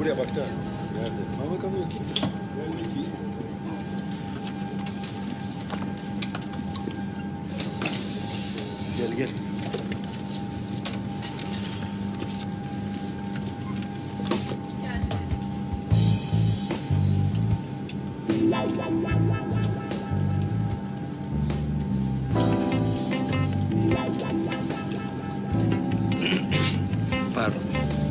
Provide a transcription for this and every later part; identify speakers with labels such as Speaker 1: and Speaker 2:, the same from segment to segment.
Speaker 1: buraya bak da. Nerede? Ha bakamıyorsun. Gel gel.
Speaker 2: Pardon.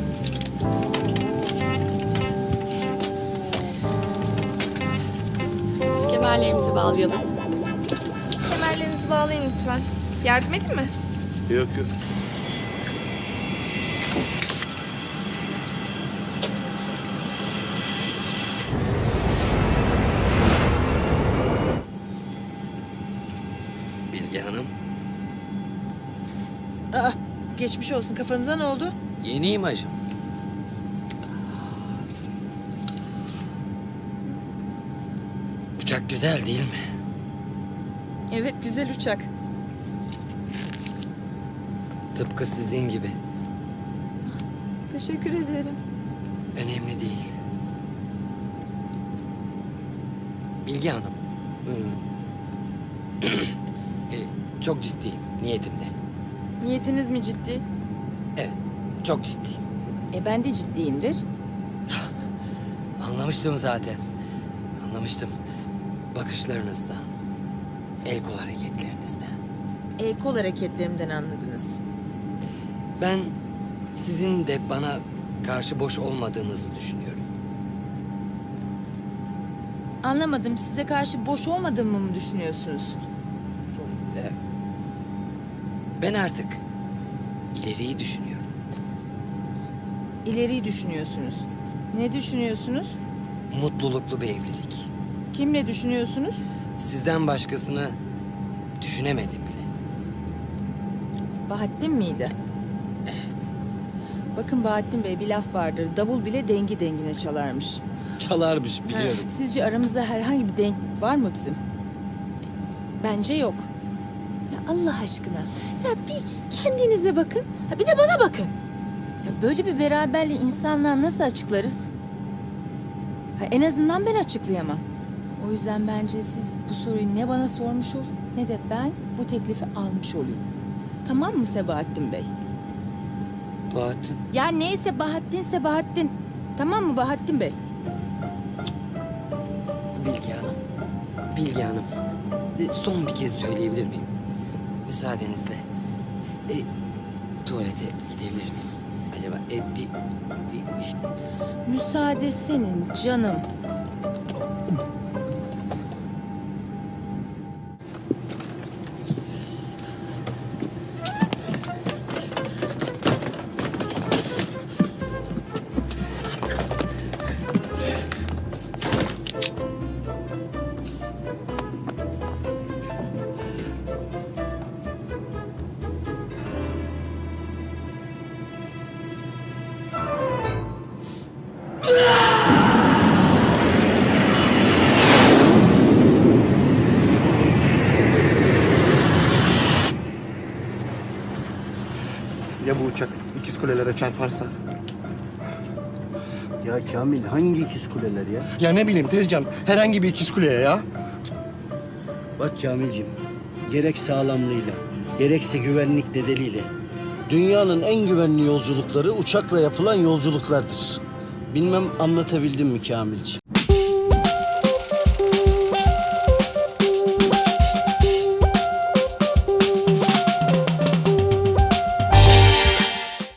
Speaker 3: Kemerlerimizi bağlayalım.
Speaker 4: Kemerlerinizi bağlayın lütfen. Yardım edeyim mi?
Speaker 1: Yok yok.
Speaker 2: Bilge Hanım.
Speaker 3: Aa, geçmiş olsun. Kafanıza ne oldu?
Speaker 2: Yeni imajım. Uçak güzel değil mi?
Speaker 3: Evet, güzel uçak.
Speaker 2: Tıpkı sizin gibi.
Speaker 3: Teşekkür ederim.
Speaker 2: Önemli değil. Bilge Hanım. Çok ciddiyim niyetimde.
Speaker 3: Niyetiniz mi ciddi?
Speaker 2: Evet, çok ciddiyim.
Speaker 3: Ben de ciddiyimdir.
Speaker 2: Anlamıştım zaten. Anlamıştım. Bakışlarınızdan, el kol hareketlerinizden.
Speaker 3: Kol hareketlerimden anladınız.
Speaker 2: Ben sizin de bana karşı boş olmadığınızı düşünüyorum.
Speaker 3: Anlamadım. Size karşı boş olmadığımı mı düşünüyorsunuz?
Speaker 2: Evet. Ben artık ileriyi düşünüyorum.
Speaker 3: İleriyi düşünüyorsunuz. Ne düşünüyorsunuz?
Speaker 2: Mutluluklu bir evlilik.
Speaker 3: Kimle düşünüyorsunuz?
Speaker 2: Sizden başkasını düşünemedim bile.
Speaker 3: Bahattin miydi?
Speaker 2: Evet.
Speaker 3: Bakın Bahattin Bey, bir laf vardır. Davul bile dengi dengine çalarmış.
Speaker 2: Çalarmış biliyorum.
Speaker 3: Sizce aramızda herhangi bir denk var mı bizim? Bence yok. Ya Allah aşkına. Ya bir kendinize bakın. Ha bir de bana bakın. Ya böyle bir beraberliği insanlığa nasıl açıklarız? Ha en azından ben açıklayamam. O yüzden bence siz bu soruyu ne bana sormuş olun ne de ben bu teklifi almış olayım. Tamam mı Sebahattin Bey?
Speaker 2: Bahattin.
Speaker 3: Ya neyse Bahattinse Bahattin. Tamam mı Bahattin Bey?
Speaker 2: Bilge Hanım. Bilge Hanım. Son bir kez söyleyebilir miyim? Müsaadenizle. Tuvalete gidebilir miyim? Acaba
Speaker 3: Müsaade senin canım.
Speaker 5: Ya bu uçak ikiz kulelere çarparsa?
Speaker 1: Ya Kamil hangi ikiz kuleler ya?
Speaker 5: Ya ne bileyim Tezcan, herhangi bir ikiz kuleye ya.
Speaker 6: Bak Kamilciğim, gerek sağlamlığıyla, gerekse güvenlik nedeniyle dünyanın en güvenli yolculukları uçakla yapılan yolculuklardır. Bilmem anlatabildim mi Kamilciğim?